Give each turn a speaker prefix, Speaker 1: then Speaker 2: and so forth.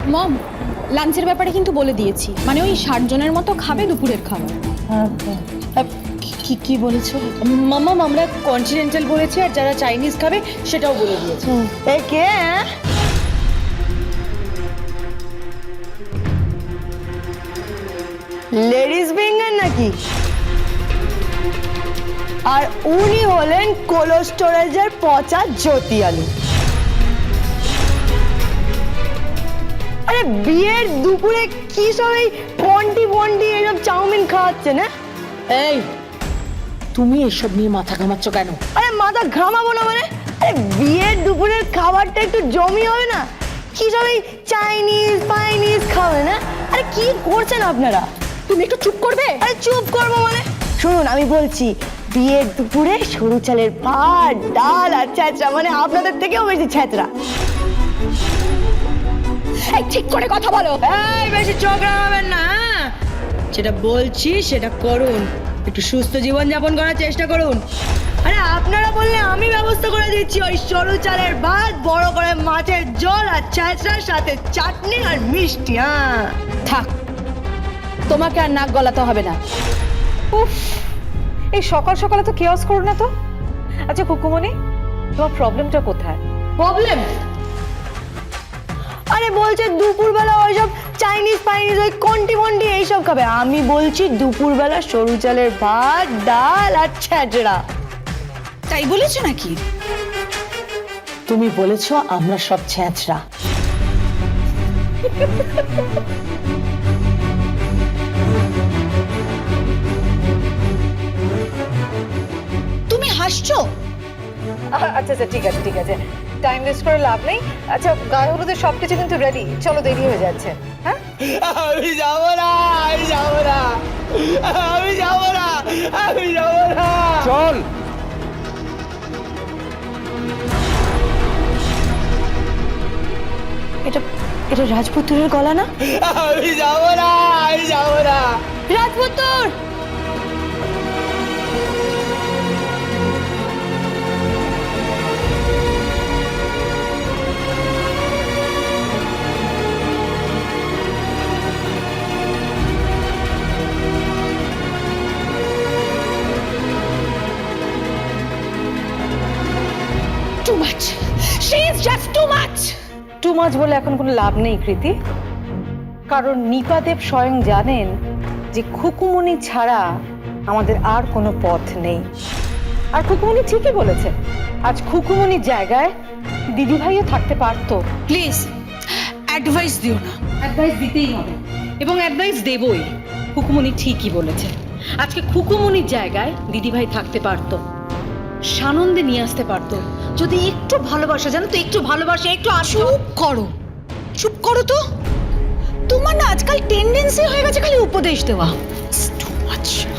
Speaker 1: মম, লাঞ্চের ব্যাপারে কিন্তু বলে দিয়েছি, মানে ওই 60 জনের মতো খাবে দুপুরের খাবার।
Speaker 2: কি কি বলেছো? মামা আমরা কন্টিনেন্টাল বলেছি, আর যারা চাইনিজ খাবে সেটাও বলে দিয়েছে।
Speaker 3: এই কে? লেডিস ফিঙ্গার নাকি? আর উনি হলেন কোল্ড স্টোরেজের পচা জ্যোতি আলু। আরে বিয়ের দুপুরে কি সব এই পন্টি পন্টি এসব চাউমিন খাওয়াচ্ছে না?
Speaker 2: এই তুমি এসব নিয়ে মাথা ঘামাচ্ছ কেন?
Speaker 3: আরে মাথা ঘামাবো না মানে? আরে বিয়ের দুপুরের খাবারটা একটু জমি হবে না? কি সব এই চাইনিজ ফাইনিজ খাবে না? আরে কি করছেন আপনারা?
Speaker 1: তুমি একটু চুপ করবে?
Speaker 3: আরে চুপ করবো মানে? শুনুন আমি বলছি, বিয়ের দুপুরে সরু চালের ভাত ডাল আর ছ্যাঁচড়া, মানে আপনাদের থেকেও বেশি ছ্যাঁচড়া।
Speaker 1: এই ঠিক করে কথা বলো।
Speaker 2: এই বেশি চোখ রাঙাবেন না, হ্যাঁ? যেটা বলছি সেটা করুন, একটু সুস্থ জীবন যাপন করার চেষ্টা করুন। আরে আপনারা বললে আমি ব্যবস্থা করে দিচ্ছি ওই সরু চালের ভাত, বড় করে মাছের ঝোল আর ছ্যাঁচড়ার সাথে চাটনি আর মিষ্টি। হ্যাঁ
Speaker 4: থাক, তোমাকে আর নাক গলাতে হবে না। উফ, এই সকাল সকালে তো কেয়াস করো না তো। আচ্ছা কুকুমনি, তোমার প্রবলেমটা কোথায়?
Speaker 3: প্রবলেম? আরে বলছে দুপুরবেলা ওইসব চাইনিজ ফাইনিজ ওই কন্টি মন্টি এইসব খাবে। আমি বলছি দুপুরবেলা সরু চালের ভাত ডাল আর ছ্যাঁচড়া।
Speaker 1: তাই বলেছো নাকি?
Speaker 2: তুমি বলেছো আমরা সব ছ্যাঁচড়া।
Speaker 1: তুমি হাসছো?
Speaker 4: আচ্ছা আচ্ছা ঠিক আছে ঠিক আছে, টাইম ওয়েস্ট করে লাভ নেই। আচ্ছা গায়ে হলুদের সবকিছু কিন্তু রেডি, চলো দেরি হয়ে যাচ্ছে। হ্যাঁ
Speaker 2: আমি যাবো না, আমি যাবো না, আমি যাবো না, আমি যাবো না।
Speaker 5: চল।
Speaker 3: এটা এটা রাজপুত্রের গলা না?
Speaker 2: আমি যাবো না, আমি যাবো না।
Speaker 3: রাজপুত্র!
Speaker 1: Too much, she is just too much.
Speaker 4: Too much বলে এখন কোনো লাভ নেই কৃতি, কারণ নিপাদেব স্বয়ং জানেন যে খুকুমনি ছাড়া আমাদের আর কোনো পথ নেই। আর খুকুমনি ঠিকই বলেছে, আজ খুকুমনির জায়গায় দিদিভাইও থাকতে পারতো।
Speaker 1: প্লিজ অ্যাডভাইস দিও না।
Speaker 4: অ্যাডভাইস দিতেই হবে এবং অ্যাডভাইস দেবই। খুকুমনি ঠিকই বলেছে, আজকে খুকুমনির জায়গায় দিদিভাই থাকতে পারতো, সানন্দে নিয়ে আসতে পারতো যদি একটু ভালোবাসা, জানো তো, একটু ভালোবাসা, একটু আসো।
Speaker 1: চুপ করো, চুপ করো তো। তোমার না আজকাল টেন্ডেন্সি হয়ে গেছে খালি উপদেশ দেওয়া। Too much.